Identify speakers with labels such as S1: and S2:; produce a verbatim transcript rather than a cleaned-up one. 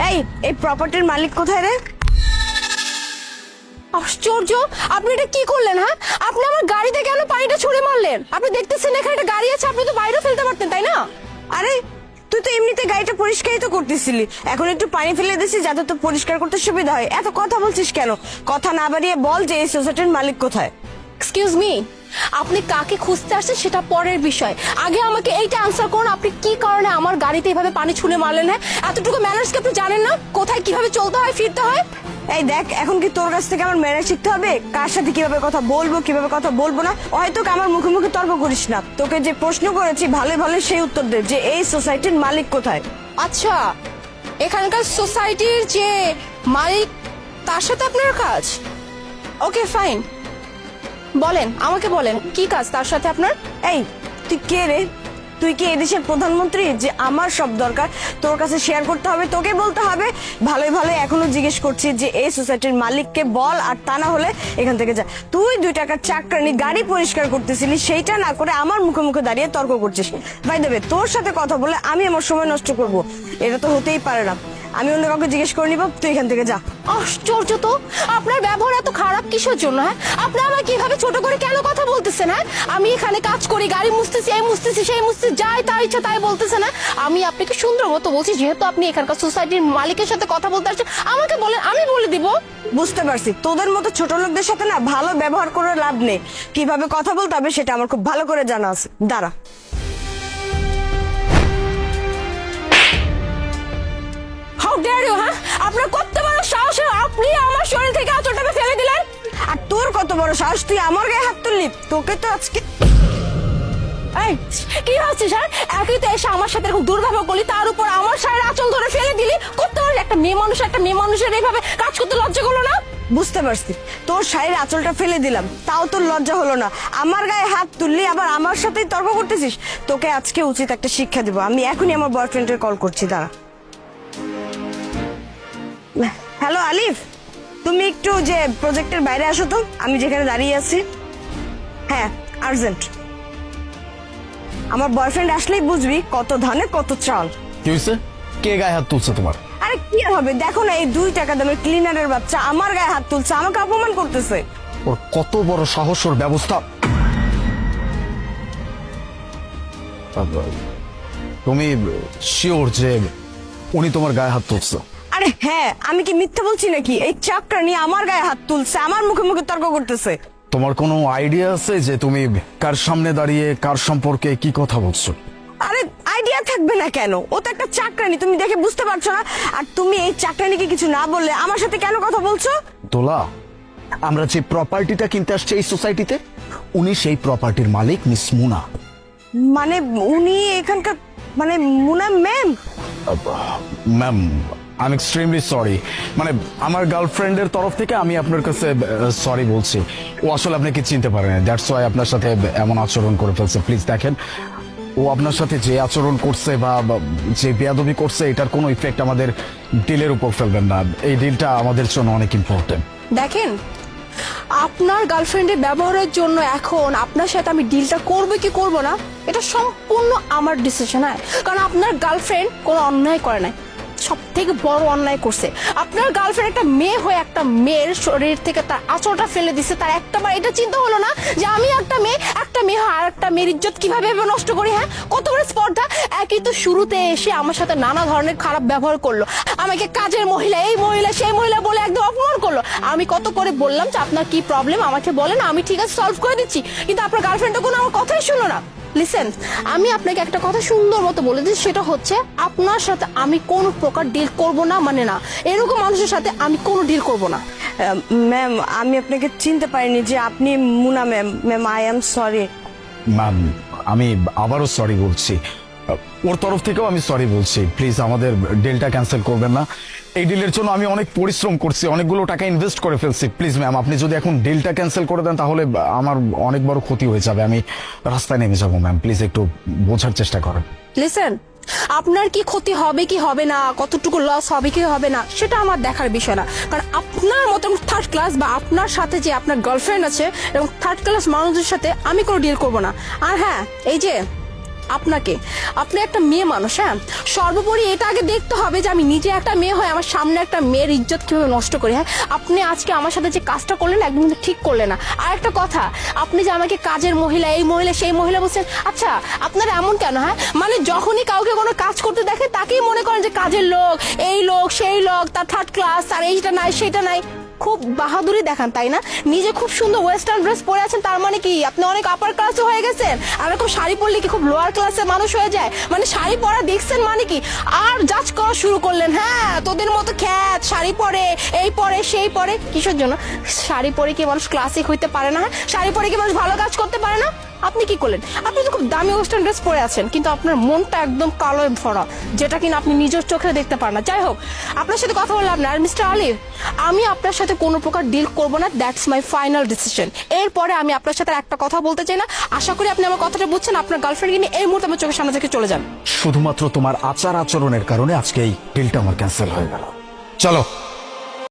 S1: এই এই প্রপার্টির মালিক কোথায় রে?
S2: আশ্চর্য, আপনি এটা কি করলেন? হ্যাঁ, আপনি আমার গাড়িতে কেন পানিটা ছুঁড়ে মারলেন? আপনি দেখতেছেন এখানে একটা গাড়ি আছে, আপনি তো বাইরে ফেলতে পারতেন, তাই না?
S1: আরে তুই তো এমনিতে গাড়িটা পরিষ্কারই তো করতেছিলি, এখন একটু পানি ফেলে দিছিস যাতে তো পরিষ্কার করতে সুবিধা হয়। এত কথা বলছিস কেন? কথা না বাড়িয়ে বল যে এই সোসাইটির মালিক কোথায়?
S2: এক্সকিউজ মি, আপনি কাকে খুঁজতে আসছেন সেটা পরের বিষয়। আগে আমাকে এইটা আনসার করুন, আপনি কি কারণে আমার গাড়িতে এভাবে পানি ছুঁড়ে মারলেন? হ্যাঁ, এতটুকু ম্যানার্স কি আপনি জানেন না? কোথায় কিভাবে চলতে হয়, ফিরতে হয়?
S1: এই দেখ, এখন কি তোর কাছ থেকে আমার ম্যানার শিখতে হবে? কার সাথে কিভাবে কথা বলবো কিভাবে কথা বলবো না? হয়তো আমার মুখে মুখে তর্ক করিস না। তোকে যে প্রশ্ন করেছি ভালো ভালো সেই উত্তর দে যে এই সোসাইটির মালিক কোথায়।
S2: আচ্ছা, এখানকার সোসাইটির যে মালিক তার সাথে আপনার কাজ? ওকে ফাইন, বলেন আমাকে, বলেন কি কাজ তার সাথে আপনার?
S1: এই তুই কে রে? তুই কি এদেশের প্রধানমন্ত্রী যে আমার সব দরকার তোর কাছে শেয়ার করতে হবে, তোকে বলতে হবে? ভালোই ভালো এখনো জিজ্ঞেস করছি যে এই সোসাইটির মালিককে বল, আর তা না হলে এখান থেকে যা। তুই দুই টাকার চাকরানি গাড়ি পরিষ্কার করতেছিলি, সেইটা না করে আমার মুখে মুখে দাঁড়িয়ে তর্ক করছিস। ভাই দেবে, তোর সাথে কথা বলে আমি আমার সময় নষ্ট করব? এটা তো হতেই পারে না। আমি অন্য কাউকে জিজ্ঞেস করে নিব, তুই এখান থেকে যা।
S2: আশ্চর্য তো, আপনার ব্যবহার এত খারাপ কিসের জন্য? হ্যাঁ, আপনি আমাকে কিভাবে ছোট করে কেন কথা বলতেছেন? হ্যাঁ, আমি এখানে কাজ করি, গাড়ি মুছতেছি, এই মুছতেছি সেই মুছতেছি, যাই তাই ইচ্ছা তাই বলতেছেন। না, আমি আপনাকে সুন্দর মতো বলছি, যেহেতু আপনি এখানকার সোসাইটির মালিকের সাথে কথা বলতে আসছেন, আমাকে বলেন, আমি বলে দিব।
S1: বুঝতে পারছি, তোদের মতো ছোট লোকদের সাথে না ভালো ব্যবহার করে লাভ নেই। কিভাবে কথা বলতে হবে সেটা আমার খুব ভালো করে জানা আছে। দাঁড়া।
S2: How dare you! হ্যাঁ, আপনার কত বড় সাহস, আপনি আমার শরীর থেকে আঁচলটাকে ফেলে দিলেন?
S1: আর তোর কত বড় সাহস, তুই আমার গায়ে হাত তুললি? তোকে তো আজকে।
S2: এই কি হচ্ছে স্যার? একই তো এসে আমার সাথে এরকম দুর্ব্যবহার করলি, তার উপর আমার শাড়ির আঁচল ধরে ফেলে দিলি। কত বড় একটা মেয়ে মানুষ, একটা মেয়ে মানুষের এইভাবে কাজ করতে লজ্জা করলো না?
S1: বুঝতে পারছি, তোর শাড়ির আঁচলটা ফেলে দিলাম, তাও তোর লজ্জা হলো না? আমার গায়ে হাত তুললি, আবার আমার সাথেই তর্ক করতেছিস। তোকে আজকে উচিত একটা শিক্ষা দিব। আমি এখনই আমার বয়ফ্রেন্ডের কল করছি, দাঁড়া। হ্যালো আলিফ, তুমি একটু যে প্রজেক্টের বাইরে আসো তো, আমি যেখানে দাঁড়িয়ে আছি। হ্যাঁ, আর্জেন্ট। আমার বয়ফ্রেন্ড আসলেই বুঝবি কত ধানে কত চাল।
S3: কি হয়েছে? কে গায়ে হাত তুলছে তোমার?
S1: আরে কি হবে, দেখো না, এই দুই টাকা দামের ক্লিনারের বাচ্চা আমার গায়ে হাত তুলছে, আমাকে অপমান করতেছে।
S3: ওর কত বড় সাহস, ওর ব্যবস্থা। তুমি শিওর যে উনি তোমার গায়ে হাত তুলছে?
S1: আরে হ্যাঁ, আমি কি মিথ্যা বলছি নাকি? এই চাকরা নিয়ে আমার গায়ে হাত তুলছে, আমার মুখে মুখে তর্ক করতেছে।
S3: তোমার কোনো আইডিয়া আছে যে তুমি কার সামনে দাঁড়িয়ে কার সম্পর্কে কি কথা বলছো?
S1: আরে আইডিয়া থাকবে না কেন? ও তো একটা চাকরানি, তুমি দেখে বুঝতে পারছো না? আর তুমি এই চাকরানিকে কিছু না বললে আমার সাথে কেন কথা বলছো?
S3: দোলা, আমরা যে প্রপার্টিটা কিনতে আসছি এই সোসাইটিতে, উনি সেই প্রপার্টির মালিক, মিস মুনা।
S1: মানে উনি এখানকার, মানে Muna ma'am?
S3: Ma'am, I am extremely sorry. মানে আমার গার্লফ্রেন্ডের তরফ থেকে আমি আপনার কাছে সরি বলছি। ও আসলে আপনাকে চিনতে পারে না, দ্যাটস ওয়াই আপনার সাথে এমন আচরণ করে ফেলছে। প্লিজ দেখেন, ও আপনার সাথে যে আচরণ করছে বা যে বেয়াদবি করছে, এটার কোনো ইফেক্ট আমাদের ডিলের উপর ফেলবেন না। এই ডিলটা আমাদের জন্য অনেক ইম্পর্টেন্ট।
S2: দেখেন, আপনার গার্লফ্রেন্ডের ব্যবহারের জন্য এখন আপনার সাথে আমি ডিলটা করবো কি করবো না, এটা সম্পূর্ণ আমার ডিসিশন। হয়, কারণ আপনার গার্লফ্রেন্ড কোনো অন্যায় করে নাই, সব থেকে বড় অন্যায় করছে। আপনার গার্লফ্রেন্ড একটা মেয়ে হয়ে একটা মেয়ের শরীর থেকে তার আঁচলটা ফেলে দিচ্ছে। তার একটা বার এটা চিন্তা হলো না যে আমি একটা মেয়ে, একটা মেয়ে হয় আর একটা মেয়ের ইজ্জত কিভাবে নষ্ট করি? হ্যাঁ, কত বড় স্পর্ধা! একই তো শুরুতে এসে আমার সাথে নানা ধরনের খারাপ ব্যবহার করলো, আমাকে কাজের মহিলা, এই মহিলা সেই মহিলা বলে একদম অপমান করলো। আমি কত করে বললাম যে আপনার কি প্রবলেম আমাকে বলেন, আমি ঠিক আছে সলভ করে দিচ্ছি, কিন্তু আপনার গার্লফ্রেন্ড তো কোনো আমার কথাই শুনলো না। লিসেন, আমি আপনাকে একটা কথা সুন্দর মতো বলে দিচ্ছি, সেটা হচ্ছে আপনার সাথে আমি কোনো প্রকার ডিল করব না, মানে না, এরকম মানুষের সাথে আমি কোনো ডিল করব না।
S1: ম্যাম, আমি আপনাকে চিনতে পারিনি যে আপনি Muna ma'am. Ma'am, I am sorry.
S3: Ma'am, আমি আবারও সরি বলছি, ওর তরফ থেকেও আমি সরি বলছি। প্লিজ আমাদের ডিলটা ক্যান্সেল করবেন না। এই ডিলের জন্য আমি অনেক পরিশ্রম করছি, অনেকগুলো টাকা ইনভেস্ট করে ফেলছি। প্লিজ ম্যাম, আপনি যদি এখন ডিলটা ক্যান্সেল করে দেন তাহলে আমার অনেক বড় ক্ষতি হয়ে যাবে, আমি রাস্তায় নেমে যাবো। ম্যাম প্লিজ একটু বোঝার চেষ্টা করেন।
S2: লিসেন, আপনার কি ক্ষতি হবে কি হবে না, কতটুকু লস হবে কি হবে না, সেটা আমার দেখার বিষয় না। কারণ আপনার মতো থার্ড ক্লাস বা আপনার সাথে যে আপনার গার্লফ্রেন্ড আছে এবং থার্ড ক্লাস মানুষদের সাথে আমি কোনো ডিল করব না। আর হ্যাঁ, এই যে আপনাকে। আপনি একটা মেয়ে মানুষ, হ্যাঁ, সর্বোপরি এটা আগে দেখতে হবে যে আমি নিজে একটা মেয়ে হয়ে আমার সামনে একটা মেয়ের ইজ্জত কিভাবে নষ্ট করি। হ্যাঁ, আপনি আজকে আমার সাথে যে কাজটা করলেন একদম কিন্তু ঠিক করলেন না। আর একটা কথা, আপনি যে আমাকে কাজের মহিলা, এই মহিলা, সেই মহিলা বলছেন, আচ্ছা আপনারা এমন কেন? হ্যাঁ, মানে যখনই কাউকে কোনো কাজ করতে দেখেন তাকেই মনে করেন যে কাজের লোক, এই লোক সেই লোক, তার থার্ড ক্লাস, তার এইটা নাই সেটা নাই। খুব বাহাদুরি দেখান, তাই না? নিজে খুব সুন্দর ওয়েস্টার্ন ড্রেস পরে আছেন, তার মানে কি আপনি অনেক আপার ক্লাসে হয়ে গেছেন? আর এরকম শাড়ি পরলে কি খুব লোয়ার ক্লাসের মানুষ হয়ে যায়? মানে শাড়ি পরা দেখছেন মানে কি? আর জাজ করা শুরু করলেন, হ্যাঁ তোদের মতো খ্যাত শাড়ি পরে, এই পরে সেই পরে। কিসের জন্য? শাড়ি পরে কি মানুষ ক্লাসিক হইতে পারে না? হ্যাঁ, শাড়ি পরে কি মানুষ ভালো কাজ করতে পারে না? আপনি কি করলেন? আপনি তো খুব দামি ওয়েস্টার্ন ড্রেস পরে আছেন, কিন্তু আপনার মনটা একদম কালো ভরা, যেটা কিনা আপনি নিজের চোখে দেখতে পারেন না। যাই হোক, আপনার সাথে কথা বললাম না। আর মিস্টার আলিফ, আমি আপনার সাথে কোনো প্রকার ডিল করব না, দ্যাটস মাই ফাইনাল ডিসিশন। এরপরে আমি আপনার সাথে একটা কথা বলতে চাই না। আশা করি আপনি আমার কথাটা বুঝছেন। আপনার গার্লফ্রেন্ডকে নিয়ে এই মুহূর্তে আমার চোখের সামনে থেকে চলে যান।
S3: শুধুমাত্র তোমার আচার আচরণের কারণে আজকে এই ডিলটা আমার ক্যান্সেল হয়ে গেল। চলো।